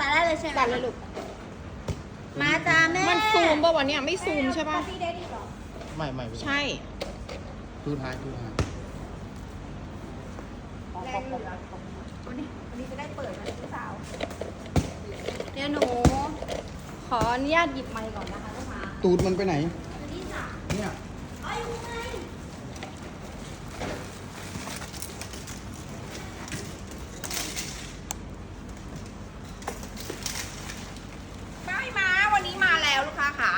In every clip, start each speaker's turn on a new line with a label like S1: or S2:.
S1: ตัดได้เลยใช่ไหม
S2: ตัดเลยลูก
S1: มาจ้าแม่
S2: มันซูมป่ะวันนี้ไม่ซูมใช่ป่ะ
S1: พี่ได้ดีหรอ
S3: ไม่
S2: ใช่
S3: ดูท้าย
S1: แรงเหลือวันนี้จะได้เปิดนะลูกสาวเดี๋ยวหนูขออนุญาตหยิบไมค์ก่อนนะคะลูกค้า
S3: ตูดมันไปไหน
S1: นี่จ้ะ
S3: เนี่ย
S1: เอ้ยอยู่ไง
S2: ป้ายม้าวันนี้มาแล้วลูกค้าค่ะ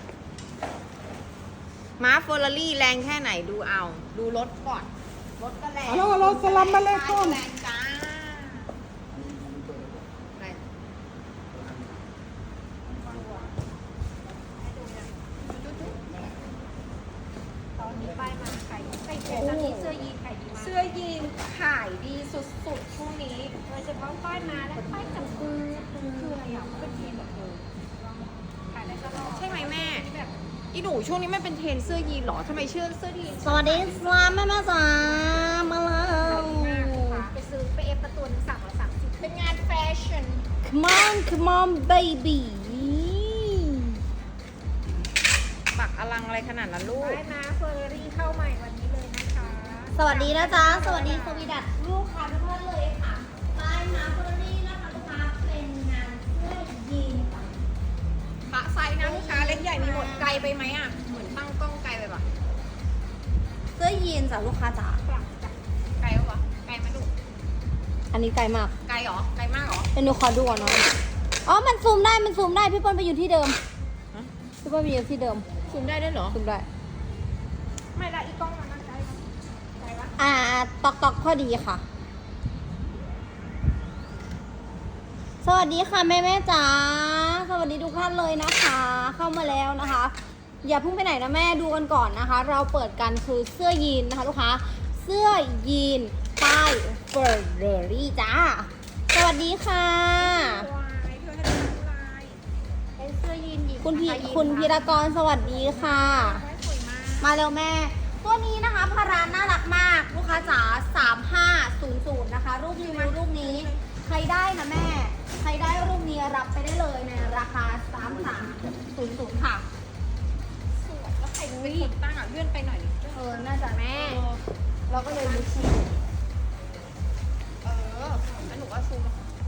S2: ม้าเฟอร์รารี่แรงแค่ไหนดูเอา ดูรถก่อน รถก็แรง
S3: เอาเราสลัมมาเลยก่อน
S2: แรงจ้าแรง
S1: ตอนนี้ป้ายมาขายใส่ตอนนี้เสื้อยีนขายดีมาก
S2: เสื้อยีนขายดีสุดๆช่วงนี้
S1: โดยเฉพาะป้ายมาและป้ายจับมือคืออะไรอ่ะเป็นเทรนแบบขายได้ตลอด
S2: ใช่ไหมแม่อีหนูช่วงนี้ไม่เป็นเทรนเสื้อยีนเหรอทำไมเสื้อยีน
S1: สวัสดีสลามแม่จ๋ามาแล้วไปซื้อไปเอฟประตูหนึ่ง330
S2: เป็นงานแฟชั่น
S1: Come on baby
S2: ปักอลังอะไรขนาดนั้นลูก
S1: ป้ายมาเฟอร์รารี่เข้าใหม่วันนี้เลยนะคะ สวัสดีนะจ๊ะ สวัสดีสวีดัตลูกค้าทุกท่านเลยค่ะป้ายมาเฟอร์รารี่นะคะลูกค้าเป็นงานเสื้อยีนค่ะ
S2: ปะไซส์นะลูกค้าเล็กใหญ่มีหมดไกลไปไหมอ่ะ เหมือนตั้งกล้องไกลไปปะ
S1: เสื้อยีนจ้ะลูกค้าจ๋า
S2: ไกลปะวะไกลไหมลูก
S1: อันนี้ไกลมาก
S2: ไกลเหรอ ไกลมากเหรอ
S1: เดี๋ยวหนูขอดูก่อนเนาะอ๋อ มันซูมได้ มันซูมได้ พี่เปิ้ลไปอยู่ที่เดิม
S2: ฮะ
S1: พี่เปิ้ลไปอยู่ที่เดิม
S2: ซูมได้ด้วยเหรอ
S1: ซูมได้
S2: ไม่ละอีกกล้องมันไกลปะ
S1: ตอกพอดีค่ะ สวัสดีค่ะแม่จ๋า สวัสดีทุกท่านเลยนะคะ เข้ามาแล้วนะคะ อย่าเพิ่งไปไหนนะแม่ดูกันก่อนนะคะ เราเปิดกันคือเสื้อยีนนะคะลูกค้า เสื้อยีนป้ายเฟอร์รารี่จ้า สวัสดีค่ะ
S2: วายเธอให้ดูลาย
S1: เป็นเสื้อยีนหญิง
S2: คุณพี
S1: คุณพีรกรสวัสดีค่ะ
S2: สวยมาก
S1: มาเร็วแม่ ตัวนี้นะคะพาราน่ารักมาก ลูกค้าจ๋า3500นะคะ รูปรีวิวรูปนี้ ใครได้นะแม่ ใครได้รูปนี้รับไปได้เลยในราคา3300ค่ะ
S2: สวยแล้วใครเป็นคนตั้งอ่ะเลื่อนไปหน่อยดิ
S1: น่าจะแม่ เราก็เลยรู้ชื่อ
S2: แล้วหนูก็ซูม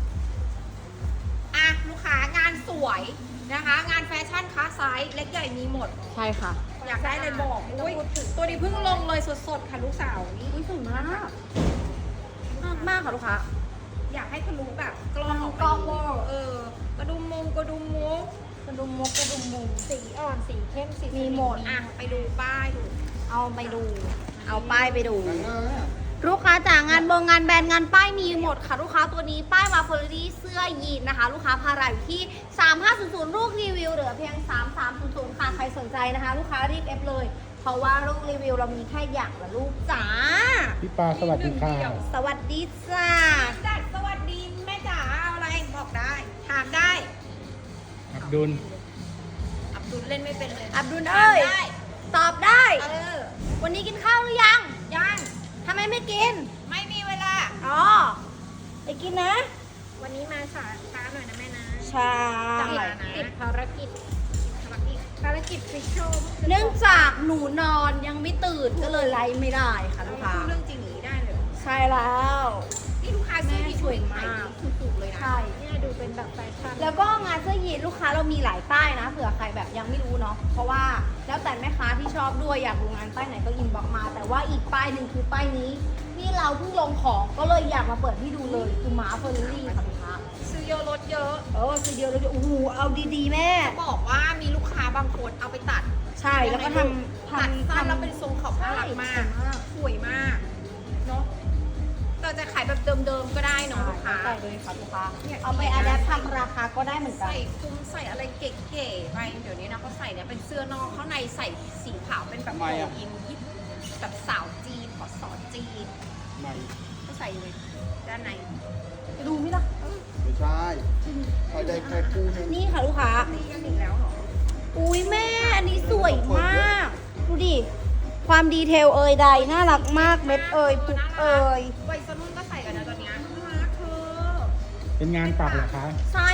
S2: อ่ะลูกค้างานสวยนะคะ งานแฟชั่นค้าไซส์เล็กใหญ่มีหมด
S1: ใช่ค่ะ
S2: อยากได้เลยบอกอุ้ยตัวนี้เพิ่งลงเลยสดๆค่ะลูกสาวนี่
S1: อุ้ยสวยมากมากค่ะลูกค้า
S2: อยากให้ทะลุแบบกล้อง
S1: กล้องเวอร์
S2: กระดุมมุก
S1: กระดุมมุกกระดุมมุก
S2: สีอ่อนสีเข้มสี
S1: มีหมด
S2: อ่ะไปดูป้ายดู
S1: เอาไปดู เอาป้ายไปดู ลูกค้าจ๋างานงานแบรนด์งานป้ายมีหมดค่ะลูกค้าตัวนี้ป้ายมาเฟอร์รี่เสื้อยีนนะคะ ลูกค้าพาราอยู่ที่3500ลูกรีวิวเหลือเพียง3300ค่ะใครสนใจนะคะ ลูกค้ารีบเอฟเลย เพราะว่าลูกรีวิวเรามีแค่อย่างละลูกจ้า
S3: พี่ปาสวัสดีค่ะ
S1: สวัสดีจ้า
S2: จัดสวัสดีแม่จ๋าเอาอะไรบอกได้ ถามได้
S3: อับดุล
S2: อับดุลเล่นไม่เป็นเลย
S1: อับดุลเอ้ย
S2: ถามได้
S1: ตอบได้
S2: เออ
S1: วันนี้กินข้าวหรือยัง
S2: ยัง
S1: ทำไมไม่กิน
S2: ไม่มีเวลา
S1: อ๋อไปกินนะ
S2: วันนี้มาช้าหน่อยนะแม่นะ
S1: ใช่
S2: ติดภารกิจฟิชโชว์
S1: เนื่องจากหนูนอนยังไม่ตื่นก็เลยไลฟ์ไม่ได้ค่ะลูกค้า
S2: พูดเรื่องจริงอย่างนี้ได้เลยเหรอ
S1: ใช่แล้ว
S2: นี่ลูกค้าซื้อที่
S1: สวยมาก
S2: ถูกๆเลยนะ
S1: ใช่
S2: เนี่ยดูเป็นแบบแฟชั่น
S1: แล้วก็งานเสื้อยีนลูกค้าเรามีหลายป้ายนะเผื่อใครแบบยังไม่รู้เนาะเพราะว่าแล้วแต่แม่ค้าที่ชอบด้วยอยากดูงานป้ายไหนก็อินบ็อกมา แต่ว่าอีกป้ายหนึ่งคือป้ายนี้ที่เราเพิ่งลงของก็เลยอยากมาเปิดให้ดูเลยคือม้าเฟอร์รี่ค่ะลูกค้า
S2: ซื้อเยอะลดเยอะ
S1: คือเดียวเลยโอ้โหเอาดีๆแม่
S2: บอกว่ามีลูกค้าบางคนเอาไปตัด
S1: ใช่แล้วก็ทำ
S2: ตัดสั้นแล้วเป็นทรงขอบน่ารักมาก
S1: ใช่
S2: สวยมากเนาะแต่จะขายแบบเดิมๆก็ได้เนาะลูกค้า
S1: ใส่เลยค่ะลูกค้า
S2: เนี่ย
S1: เอาไปอัดแอปทำราคาก็ได้เหมือนกัน
S2: ใส่คลุมใส่อะไรเก๋ๆไปเดี๋ยวนี้นะเขาใส่เนี่ยเป็นเสื้อนอกข้างในใส่สีขาวเป็นแบบ
S3: ทำไมอะ
S2: โอินยิปแบบสาวจีนขอสอจีน
S3: ไม่
S2: ก็ใส่เลยด้านใน
S1: ไปดูไหมล่ะ
S3: ไม่ใช่ใครได้แค่คู่หนึง
S1: นี่ค่ะลูกค้า
S2: ตีกันอีกแล้วเหรอ
S1: อุ้ยแม่อันนี้สวยมาก ดูดิ ความดีเทลเอ่ยใดน่ารักมากเม็ดเอ่ยปุกเอ่ย
S2: วัยรุ่นก็ใส่กันนะตอนเนี้ยน่ารักเธอ
S3: เป็นงานปักเหรอคะ
S1: ใช่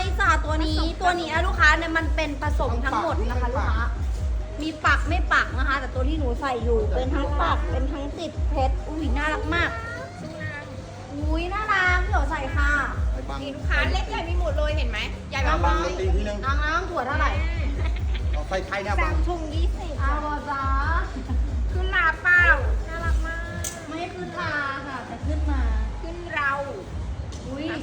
S1: จ้ะตัวนี้นะลูกค้าเนี่ยมันเป็นผสมทั้งหมดนะคะลูกค้ามีปักไม่ปักนะคะ แต่ตัวที่หนูใส่อยู่เป็นทั้งปักเป็นทั้งติดเพชรอุ้ยน่ารักมากอุ้ยน่ารักเดี๋ยวใส่ค่ะ
S3: ไอ้บัง
S2: นี่ลูกค้าเล็กใหญ่มีหมดเลยเห็นไหมใหญ่
S3: บั
S2: มาง ก
S3: บังตีทีนึง
S1: น้ำถั่วเท่าไหร่
S3: เอาใส่ไข่เนี่ยบัง
S2: ถุง20
S1: เอาจ้า
S2: ขึ้นลาเปล่าน่ารักมาก
S1: ไม่ขึ้นลาค่ะแต่ขึ้นมา
S2: ขึ้นเรา
S1: อุ้ย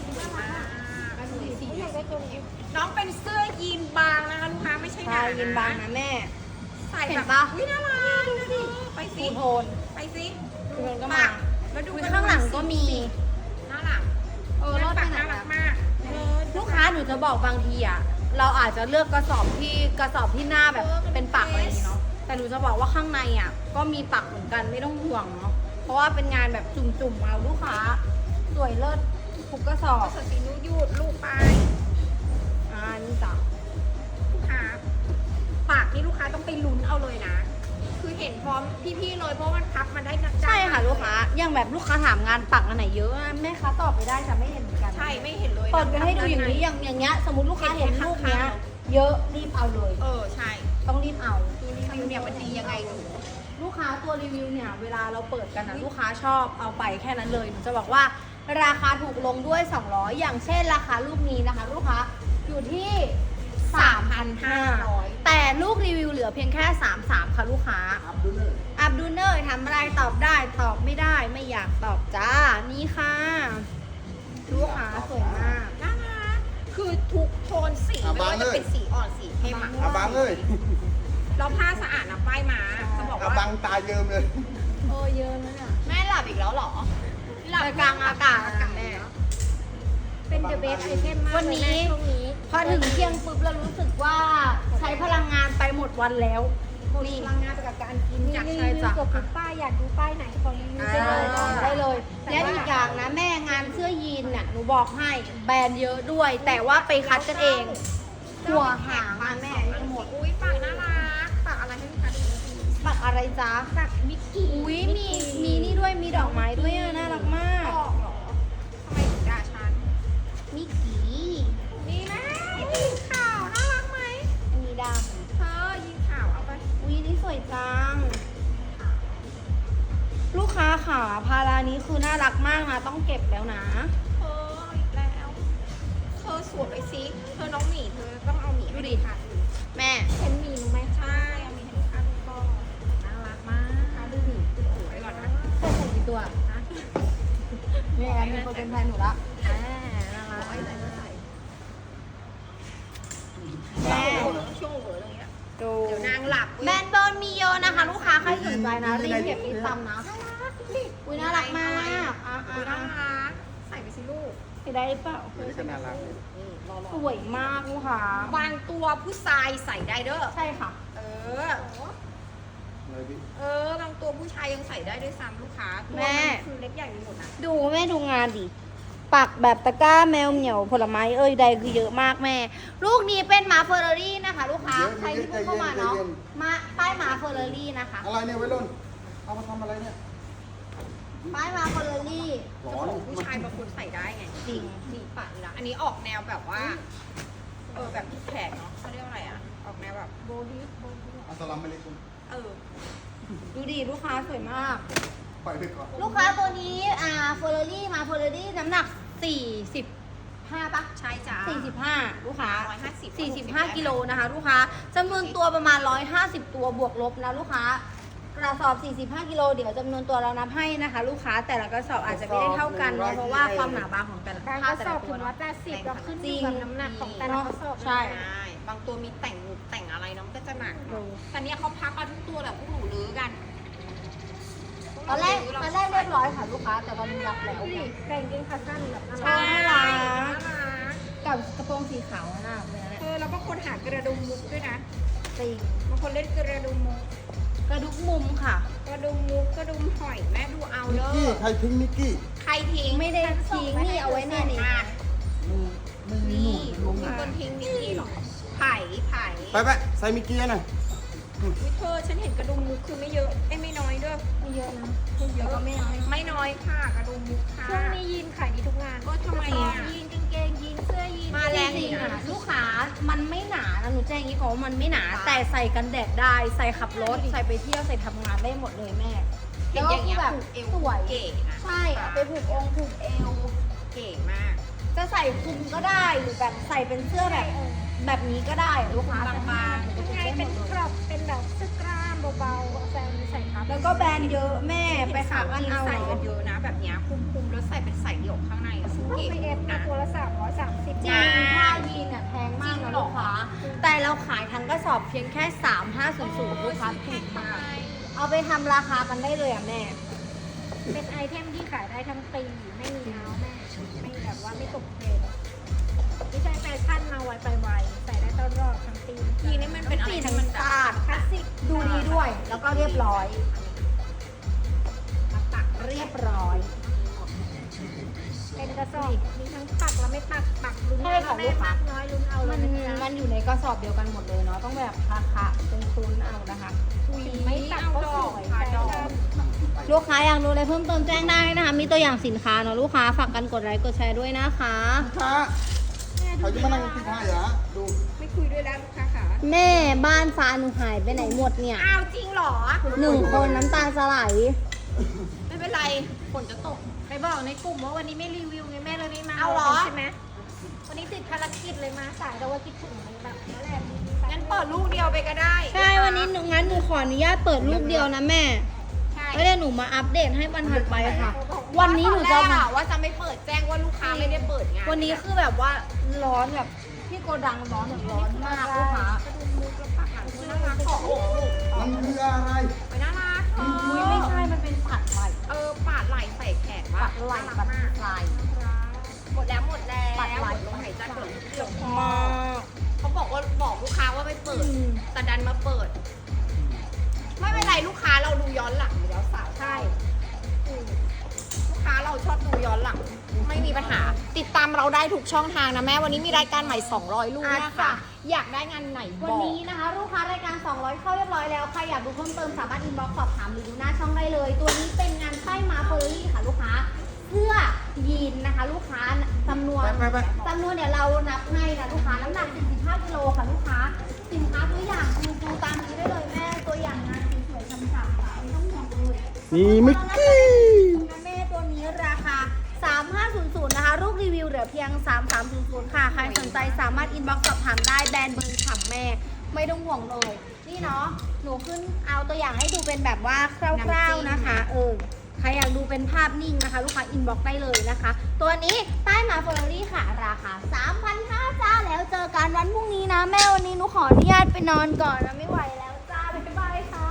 S2: น้องเป็นเสื้อยีนบางนะคะลูกค้าไม่ใช่ห
S1: ใช่
S2: นา
S1: ยินบางนะแม่
S2: ใส่
S1: เห็
S2: แบ
S1: น
S2: บ
S1: ปะ
S2: อุ้ยน่ารักดูสิไปสิ
S1: สีโทน
S2: ไปสิ
S1: คือมันก็มา
S2: แล้วดู
S1: อุ้ยข้างหลังก็มี
S2: น่ารัก
S1: รอดไป
S2: ปาก
S1: ไหน
S2: น่ารั
S1: อะ
S2: กมาก
S1: ลูกค้าหนูจะบอกบางทีอ่ะเราอาจจะเลือกกระสอบที่หน้าแบบเป็นปักอะไรอย่างนี้เนาะแต่หนูจะบอกว่าข้างในอ่ะก็มีปักเหมือนกันไม่ต้องห่วงเนาะเพราะว่าเป็นงานแบบจุ่มๆเอาลูกค้าสวยเลิศทุกกระสอบ
S2: ก็สสีนูยูดลูกไป
S1: นี่จ้ะ
S2: ลูกค้าปากนี่ลูกค้าต้องไปลุ้นเอาเลยนะ คือเห็นพร้อมพี่ๆเลยเพราะมันพับมันได้นะ
S1: ใช่ค่ะลูกค้าอย่างแบบลูกค้าถามงานปักอันไหนเยอะอะแม่ค้าตอบไปได้จะไม่เห็นเหมือนกัน
S2: ใช่ไม่เห็นเลย
S1: เปิดไปให้ดูอย่างนี้อย่างเงี้ยสมมติลูกค้าเห็นรูปเนี้ยเยอะรีบเอาเลย
S2: ใช่
S1: ต้องรีบเอา
S2: ดูรีวิวเนี่ยมันดียังไงดู
S1: ลูกค้าตัวรีวิวเนี่ยเวลาเราเปิดกันนะลูกค้าชอบเอาไปแค่นั้นเลยหนูจะบอกว่าราคาถูกลงด้วย200อย่างเช่นราคาลูกนี้นะคะ ลูกค้าอยู่ที่ 3,500 แต่ลูกรีวิวเหลือเพียงแค่ 33ค่ะลูกค้า
S3: อัพดูเลย
S1: อับดูเนอร์ทำอะไรตอบได้ตอบไม่ได้ไม่อยากตอบจ้านี่ค่ะลูกค้าสวยมาก
S2: น่ารักคือทุกโทนสีไม่ว่าจะเป็นสีอ่อนสีเข้มอะ
S3: เอาบังเลย
S2: แล้วผ้าสะอาดนะป้ายมาจะบอก
S3: เอา
S2: ว่า
S3: บังตายเยิมเลย
S1: เยอะนะเนี่ย
S2: แม่หลับอีกแล้วเหรอ
S1: หลับกลางอากาศแม่
S2: เป็นเดอะเบสไอเทมมาก
S1: วันนี้
S2: ช่วงนี้
S1: พอถึงเที่ยงปุ๊บเรารู้สึกว่าใช้พลังงานไปหมดวันแล้ว
S2: มีพลังงานไปกับการกินจาก
S1: ใช่จ้ะ
S2: กับทุกป้ายอยากดูป้ายไหนขอรีวิว
S1: ได้เลยและอีกอย่างนะแม่งานเสื้อยีนน่ะหนูบอกให้แบรนด์เยอะด้วย แต่ว่าไปคัดกันเองหัวหางมาแม่นี่หมด
S2: อุ้ยปากน่ารักปากอะไรให้ลูกค้าดู
S1: ปักอะไรจ๊ะ
S2: ปากมิกกี้
S1: อุ้ยมีนี่ด้วยมีดอกไม้ด้วยอะน่ารักมาก
S2: ออกเหรอทำไมถึงด่าฉัน
S1: มิกกี้
S2: นี่นะยิงข่าวน่ารักไหม
S1: มีด
S2: เธอยิงข่าวเอาไป
S1: ำอุ้ยนี่สวยจังลูกค้าค่ะพารานี้คือน่ารักมากนะต้องเก็บแล้วนะ
S2: เธอเอาอีกแล้วเธอสวมไปสิเธอน้องหมีเธอต้องเอาหมีให้ดูค่ะ
S1: แม่
S2: เห็นหมีหนูไหมใช่เอาหมีให้ลูกค้าดูก่อนน่ารักมากดูหมีดูโอ้ยก่อนนะ
S1: ใส่ใส่กี่ตัวนี่ไงมีคนเป็นแฟนหนูละ
S2: น่ารักไว้เลย
S1: แม่
S2: ช่วงเหวอเลยอ่ะ
S1: ดู
S2: เดี๋ยวนางหลับ
S1: แบรนด์เบิร์นมีเยอะนะคะ ลูกค้าใครสนใจนะรีบเก็บรีบทำนะอุ้ยน่ารักมากอ่ะ
S2: อุ้ยน่ารักใส่ไปสิลูก
S1: ได้หรือเปล่า
S3: นี่ก็น่ารักเลย
S1: สวยมากลูกค้า
S2: บางตัวผู้ชายใส่ได้เด้อ
S1: ใช่ค่ะ
S2: เออ
S3: เลยพี่
S2: บางตัวผู้ชายยังใส่ได้ด้วยซ้ำลูกค้าตัว
S1: แม่
S2: นคือเล็กใหญ่มีหมดนะ
S1: ดูแม่ดูงานดิปักแบบตะกร้าแมวเหมียวผลไม้เอ้ยใดคือเยอะมากแม่ ลูกนี้เป็นหมาเฟอร์รารี่นะคะ ลูกค้าใครที่เพิ่งเข้ามาเนาะมาป้ายหมาเฟอร์รารี่นะคะ
S3: อะไรเนี่ยไว้รุ่นเอามาทำอะไรเนี่ย
S1: ป้ายหมาเฟอร์รารี่
S3: ร้อน
S2: ผู้ชายบางคนใส่ได้ไง
S1: จริง
S2: นี่ปะนี่นะอันนี้ออกแนวแบบว่า แบบที่แขกเนาะเขาเรียกว่าอะไรอ่ะ ออกแนวแบบโบฮิโบฮิ
S3: อัสสลามุอะลัยกุม
S1: ดูดิลูกค้าสวยมาก
S3: ปล่อยไปก่อน
S1: ลูกค้าตัวนี้เฟอร์รารี่มาเฟอร์รารี่น้ำหนัก45ปะ
S2: ใช่จ้า
S1: 45ลูกค้า
S2: 150
S1: 45กิโลนะคะ ลูกค้าจำนวนตัวประมาณ150ตัวบวกลบนะลูกค้ากระสอบ45กิโลเดี๋ยวจำนวนตัวเรานับให้นะคะ ลูกค้าแต่ละกระสอบอาจจะไม่ได้เท่ากันเนาะเพราะว่าความหนาบางของแต่ละ
S2: บาง
S1: ผ้าก
S2: ระ
S1: แต่
S2: สอ
S1: ละ
S2: บ
S1: ตั
S2: ถึ
S1: ว
S2: ง
S1: เนาะ
S2: 180เราขึ้น
S1: จริ
S2: อง ยู่กับน้ำหนักของแต่ละกระสอบ
S1: ใช่
S2: บางตัวมีแต่งอะไรเนาะมันก็จะหนัก
S1: ดู
S2: แต่เนี้ยเขาพับมาทุกตัวแบบพวกหนูลื้อกัน
S1: ตอนแรกเรียบร้อยค่ะลูกค้าแต่ตอนนี้รับแล้ว
S2: แกงเกงขาสั้นแบบ
S1: ใช่น่ารัก
S2: น่ารัก
S1: กับกระโปรงสีขาวน่ะเลยนะ
S2: แล้วก็คนหากระดุมมุกด้วยนะ
S1: จริง
S2: บางคนเล่นกระดุมมุก
S1: กระดุกมุมค่ะ
S2: กระดุมมุกกระดุมหอยแม่ดูเอา
S3: มิ
S2: เด้
S3: กกี้
S2: อ
S3: ใครทิ้งมิกกี้
S2: ใครทิ้ง
S1: ไม่ได้ทิ้งนี่เอาไว้เนี่ยนี่
S2: อ่ะ
S3: ไม่มี
S2: นี่
S3: หนู
S2: มีคนทิ้งนี่หรอไผ่
S3: ไปใส่มิกกี้หน่อย
S2: วิเธอฉันเห็นกระดุมมุกคือไม่เยอะไม่น้อยด้วย
S1: ไม่เยอะนะไม่เยอะก็ไม่น้อย
S2: ไม่น้อยค่ะกระดุมมุกค่ะ
S4: ช่วงนี้ยีนขายดีทุกงาน
S2: ก็ทำไมอ่ะ
S4: ยีนกางเกงยีนเสื้อยีน
S2: มาแรง
S1: จริ
S2: อี
S1: ง
S2: ก
S1: ๆ
S2: นะ
S1: อะนะหนูแจ้งอย่างนี้ก่อนว่ามันไม่หนาแต่ใส่กันแดดได้ใส่ขับรถใส่ไปเที่ยวใส่ทำงานได้หมดเลยแม่
S2: เห็นอย่างเงี้ย
S1: แบบ
S2: ผูกเอว
S1: สวย
S2: เก๋นะ
S1: ใช่เอาไปผูกองค์ผูกเอว
S2: เก๋มาก
S1: จะใส่คลุมก็ได้หรือแบบใส่เป็นเสื้อแบบนี้ก็ได้ลูกค้า
S2: บางๆ
S1: จะ
S4: ไง
S1: ได้หม
S4: เป็น
S1: ดเลย
S4: กรอบเป็นแบบเสื้อกล้ามเบาๆแฟนใส่ครับ
S1: แล้วก็แบรนด์เยอะแม่ไป
S2: ไป
S1: หา
S2: สาว
S1: กัน
S2: ที่
S1: เอา
S2: ใส่กันเยอะนะ แบบเนี้ยคุมๆแล้วใส่เป็นใส่เดี่ยวข้างในอะซึ่ง
S4: พวก
S2: เก๋
S4: ไปเอฟนะ
S2: นะ
S4: ตัวละ330
S1: จริงผ้ายีนอ่ะแพงมากนะลูกค้าแต่เราขายทั้งกระสอบเพียงแค่ 3500ลูกค้าถูกมากเอาไปทำราคากันได้เลยอ่ะแม่
S4: เป็นไอเทมที่ขายได้ทั้งปีไม่มีเท้าแม่ไม่แบบว่าไม่ตกเทรนด์ไม่ใช่แฟชั่นมาไวไปไวใส่ได้ตลอดทั้งปี
S2: ทีนี้มันเป็นอะไรที่มันแบบ
S1: สะอาด
S4: คลาสสิก
S1: ดูดีด้วย แล้วก็เรียบร้อย
S2: มาตัก
S1: เรียบร้อย
S4: เป็นกระสอบมีทั้งปักและไม่ปักลุ้น
S1: ใช่ของลู
S4: แม่
S1: กค้า
S4: มากน้อยลุ้นเอาเล
S1: มั
S4: ย
S1: น
S4: นะจ๊ะ
S1: มันอยู่ในกระสอบเดียวกันหมดเลยเนาะต้องแบบคะเป็นตุนเอานะคะ
S4: สีไม่ตัดก็สวย
S2: ค่ะ
S4: แฟ
S2: ดอก
S4: ชั่น
S1: ลูกค้าอยากดูอะไรเพิ่มเติมแจ้งได้นะคะ มีตัวอย่างสินค้าเนาะลูกค้าฝากกันกดไลค์กดแชร์ด้วยนะคะ
S3: ช้าเขาจะมานั่งกินข้าวเหรอดู
S2: ไม่คุยด้วยแล้วลูกค้าค่ะ
S1: แม่บ้านฟ้าหนูหายไปไหนหมดเนี่ย
S2: อ้าวจริงเหรอ
S1: 1 คนน้ำตาจะไหล
S2: ไม่เป็นไรฝนจะตก
S4: ไปบอกในกลุ่มว่าวันนี้ไม่รีวิวไงแม่เลยไม่มา
S2: เอาเหรอ
S4: ใช่ไหมวันนี้ติดภารกิจเลยมาสายแต่ว่าคิดถึงแบบนั่นแหละ
S2: งั้นเปิดลูกเดียวไปก็ได้
S1: ใช่วันนี้งั้นหนูขออนุญาตเปิดลูกเดียวนะแม่
S2: ใช่
S1: แล้วเดี๋ยวหนูมาอัปเดตให้วันถัดไปค่ะ วันนี้หนูจะ
S2: ตอแรกอะว่าจะไม่เปิดแจ้งว่าลูกค้าไม่ได้เปิดไง
S1: วันนี้คือแบบว่าร้อนแบบที่โกดังร้อนแบบร้อนมากลูกค้า
S2: กระดุมมือกระปักหลังน่ารักขออกลูก
S3: มันคืออะไร
S2: ไปน่ารัก
S1: อุ้ยไม่ใช่ มันเป็นปัดไหล
S2: ปาดไหล่ใส่แขนว่า
S1: ปัดไหลปัดไหล
S2: หมดแล้วหมดแล้ว
S1: ปัดไหล่
S2: ลมหายใจเปิดเดี่ยวพอ
S1: มาก
S2: เขาบอกว่าบอกลูกค้าว่าไม่เปิด แต่ดันมาเปิด ไม่เป็นไรลูกค้าเราดูย้อนหลังอยู่แล้วสาวใช่ลูกค้าเราชอบดูย้อนหลัง ไม่มีปัญหา ติดตามเราได้ทุกช่องทางนะแม่วันนี้มีรายการใหม่200ลูกนะคะ อยากได้งานไหนบ
S1: วัน
S2: อก
S1: นี้นะคะลูกค้ารายการ 200 เข้าเรียบร้อยแล้ว ใครอยากดูเพิ่มเติมสามารถอินบ็อกซ์สอบถามหรือดูหน้าช่องได้เลย ตัวนี้เป็นงานป้ายมาเฟอร์รี่ค่ะลูกค้า เสื้อยีนนะคะ ลูกค้าจำนวน
S3: ไป
S1: จำนวนเดี๋ยวเรานับให้นะลูกค้า น้ำหนัก 45 กิโลค่ะลูกค้า สินค้าตัวอย่างดูตามนี้ได้เลยแม่ตัวอย่างงานสวยๆช้ำๆค่ะไม่ต้องห่วงเลย
S3: นี่มิกกี้
S1: แม่ตัวนี้ราคา 3500 นะคะ รูปรีวิวเหลือเพียง 3300 ค่ะ ใครสนใจสามารถอินบ็อกซ์สอบถามได้แบรนด์เบิร์นฉ่ำแม่ ไม่ต้องห่วงเลย นี่เนาะ หนูขึ้นเอาตัวอย่างให้ดูเป็นแบบว่าคร่าวๆนะคะ ใครอยากดูเป็นภาพนิ่งนะคะ ลูกค้าอินบ็อกซ์ได้เลยนะคะ ตัวนี้ป้ายมาเฟอร์รี่ค่ะ ราคา 3,500 จ้า แล้วเจอกันวันพรุ่งนี้นะ แม่วันนี้หนูขออนุญาตไปนอนก่อนนะไม่ไหวแล้วจ้า บ๊ายบายค่ะ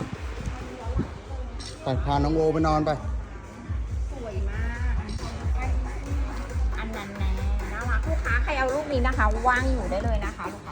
S3: ไปพาน้องโอไปนอนไป
S2: สวยมาก อันนั้นแน่น่ารักลูกค้าใครเอารูปนี้นะคะว่างอยู่ได้เลยนะคะลูก